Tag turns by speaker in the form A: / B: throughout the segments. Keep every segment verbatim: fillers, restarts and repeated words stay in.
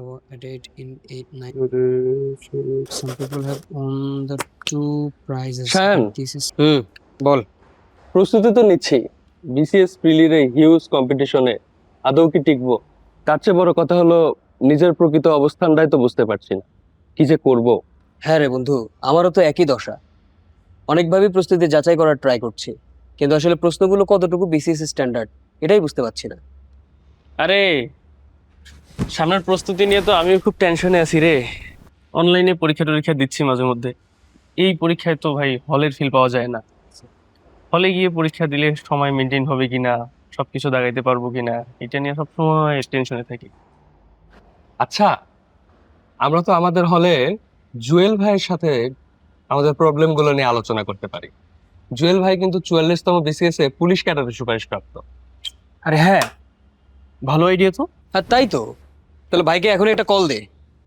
A: have a date in eight nine. Some people have won the two prizes.
B: Shayan,
A: but This is
B: হুম বল। প্রস্তুতি তো নিচ্ছি, BCS প্রিলির এই huge কম্পিটিশনে আদৌ কি টিকবো? তার চেয়ে বড় কথা হলো নিজের প্রকৃত অবস্থানটাই তো বুঝতে পারছি না, কি যে করব।
C: হ্যাঁ রে বন্ধু, আমারও তো একই দশা। অনেকভাবেই প্রস্তুতি যাচাই করার ট্রাই করছি, কিন্তু আসলে প্রশ্নগুলো কতটুকু বিসিএস স্ট্যান্ডার্ড এটাই বুঝতে পারছি না।
B: আরে সামনের প্রস্তুতি নিয়ে তো আমিও খুব টেনশনে আছি রে। অনলাইনে পরীক্ষা টরীক্ষা দিচ্ছি মাঝে মধ্যে। এই পরীক্ষায় তো ভাই হলের ফিল পাওয়া যায় না। হলে গিয়ে পরীক্ষা দিলে সময় মেনটেন হবে কিনা, সবকিছু দাগাইতে পারবো কিনা, এটা নিয়ে সবসময় টেনশনে থাকি। আচ্ছা, আমরা তো আমাদের হলে জুয়েল ভাইয়ের সাথে আমাদের প্রবলেম গুলো নিয়ে আলোচনা করতে পারি। জুয়েল ভাই কিন্তু চুয়াল্লিশতম বিসিএস এ পুলিশ ক্যাডারে সুপারিশ প্রাপ্ত।
C: আরে হ্যাঁ,
B: ভালো আইডিয়া তো।
C: আর তাই তো। তাহলে ভাইকে এখন একটা কল দে।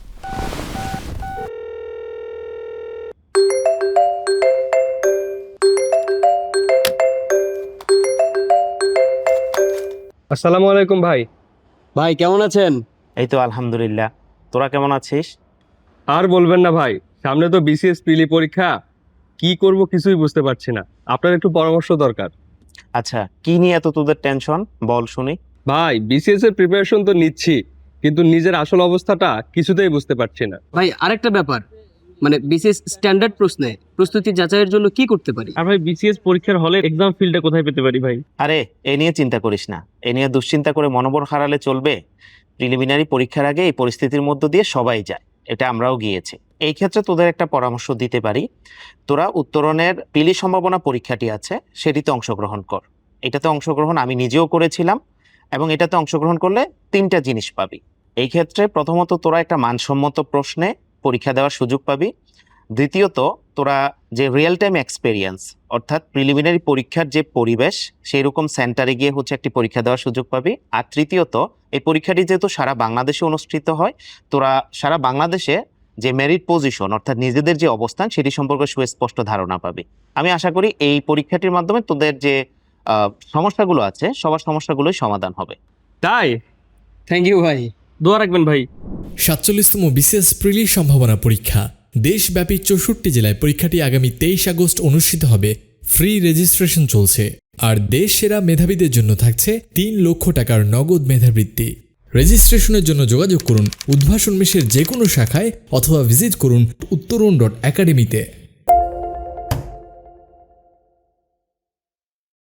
B: আসসালামু আলাইকুম ভাই।
C: ভাই কেমন আছেন?
D: এই তো আলহামদুলিল্লাহ, তোরা কেমন আছিস?
B: আর বলবেন না ভাই, সামনে তো বিসিএস প্রিলি পরীক্ষা, কি করব কিছুই বুঝতে পারছি না, আপনার একটু পরামর্শ দরকার।
D: আচ্ছা, কি নিয়ে এত তোদের টেনশন বল শুনি।
B: ভাই বিসিএস এর প্রিপারেশন তো নিচ্ছি, কিন্তু নিজের আসল অবস্থাটা কিছুতেই বুঝতে পারছি না।
C: ভাই আরেকটা ব্যাপার, মানে বিসিএস স্ট্যান্ডার্ড প্রশ্নে প্রস্তুতি যাচাইয়ের জন্য কি করতে পারি?
B: আর ভাই বিসিএস পরীক্ষার হলে এক্সাম ফিল্ডটা কোথায় পেতে পারি ভাই?
D: আরে এ নিয়ে চিন্তা করিস না, এ নিয়ে দুশ্চিন্তা করে মনোবল হারালে চলবে। প্রিলিমিনারি পরীক্ষার আগে এই পরিস্থিতির মধ্য দিয়ে সবাই যায়, এটা আমরাও গিয়েছি। এই ক্ষেত্রে তোদের একটা পরামর্শ দিতে পারি, তোরা উত্তরণের পিলি সম্ভাবনা পরীক্ষাটি আছে সেটিতে অংশগ্রহণ কর। এটাতে অংশগ্রহণ আমি নিজেও করেছিলাম, এবং এটাতে অংশগ্রহণ করলে তিনটা জিনিস পাবি। এই ক্ষেত্রে প্রথমত তোরা একটা মানসম্মত প্রশ্নে পরীক্ষা দেওয়ার সুযোগ পাবি। দ্বিতীয়ত তোরা যে রিয়েল টাইম এক্সপেরিয়েন্স, অর্থাৎ প্রিলিমিনারি পরীক্ষার যে পরিবেশ সেই রকম সেন্টারে গিয়ে হচ্ছে একটি পরীক্ষা দেওয়ার সুযোগ পাবি। আর তৃতীয়ত এই পরীক্ষাটি যেহেতু সারা বাংলাদেশে অনুষ্ঠিত হয়, তোরা সারা বাংলাদেশে যে মেরিট পজিশন অর্থাৎ নিজেদের যে অবস্থান সেটি সম্পর্কে সুস্পষ্ট ধারণা পাবি। আমি আশা করি এই পরীক্ষাটির মাধ্যমে তোদের যে সমস্যাগুলো আছে সবার সমস্যাগুলোই সমাধান হবে।
B: তাই
C: থ্যাংক ইউ ভাই,
B: দোয়া রাখবেন ভাই।
E: সাতচল্লিশতম বিসিএস প্রিলি সম্ভাবনা পরীক্ষা দেশব্যাপী চৌষট্টি জেলায় পরীক্ষাটি আগামী তেইশ আগস্ট অনুষ্ঠিত হবে। ফ্রি রেজিস্ট্রেশন চলছে, আর দেশ সেরা মেধাবীদের জন্য থাকছে তিন লক্ষ টাকার নগদ মেধাবৃত্তি। রেজিস্ট্রেশনের জন্য যোগাযোগ করুন উদ্ভাসন মেশের যে কোনো শাখায় অথবা ভিজিট করুন উত্তরণ ডট একাডেমিতে।